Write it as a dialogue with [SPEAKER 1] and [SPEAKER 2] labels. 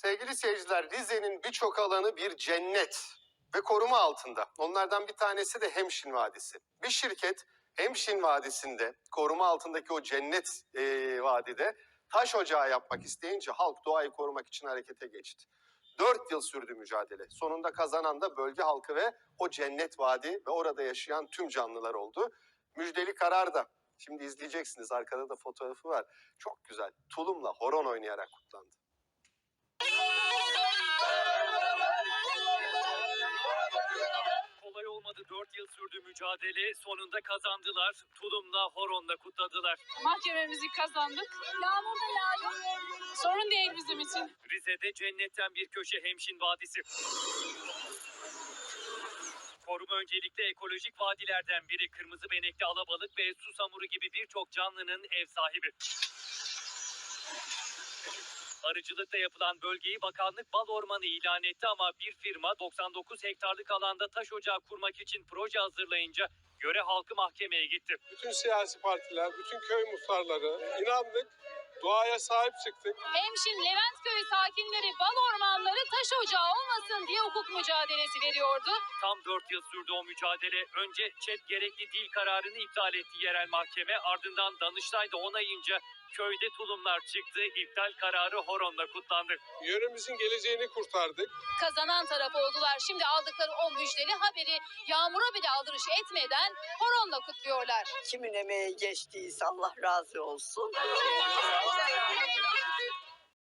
[SPEAKER 1] Sevgili seyirciler, Rize'nin birçok alanı bir cennet ve koruma altında. Onlardan bir tanesi de Hemşin Vadisi. Bir şirket Hemşin Vadisi'nde koruma altındaki o cennet vadide taş ocağı yapmak isteyince halk doğayı korumak için harekete geçti. 4 yıl sürdü mücadele. Sonunda kazanan da bölge halkı ve o cennet vadi ve orada yaşayan tüm canlılar oldu. Müjdeli karar da şimdi izleyeceksiniz. Arkada da fotoğrafı var. Çok güzel. Tulumla horon oynayarak kutlandı.
[SPEAKER 2] Kolay olmadı, 4 yıl sürdü mücadele, sonunda kazandılar, tulumla, horonla kutladılar.
[SPEAKER 3] Mahkememizi kazandık. Yağmur da yağdı. Sorun değil bizim için.
[SPEAKER 2] Rize'de cennetten bir köşe Hemşin Vadisi. Koruma öncelikle ekolojik vadilerden biri. Kırmızı benekli alabalık ve susamuru gibi birçok canlının ev sahibi. Arıcılıkla yapılan bölgeyi bakanlık bal ormanı ilan etti ama bir firma 99 hektarlık alanda taş ocağı kurmak için proje hazırlayınca yöre halkı mahkemeye gitti.
[SPEAKER 4] Bütün siyasi partiler, bütün köy muhtarları inandık, doğaya sahip çıktık.
[SPEAKER 3] Hemşin Leventköy sakinleri bal ormanları taş ocağı olmasın diye hukuk mücadelesi veriyordu.
[SPEAKER 2] Tam 4 yıl sürdü o mücadele. Önce ÇED gerekli değil kararını iptal etti yerel mahkeme. Ardından Danıştay da onayınca köyde tulumlar çıktı. İptal kararı horonla kutlandı.
[SPEAKER 4] Yöremizin geleceğini kurtardık.
[SPEAKER 3] Kazanan taraf oldular. Şimdi aldıkları o müjdeli haberi yağmura bile aldırış etmeden horonla kutluyorlar.
[SPEAKER 5] Kimin emeği geçtiyse Allah razı olsun.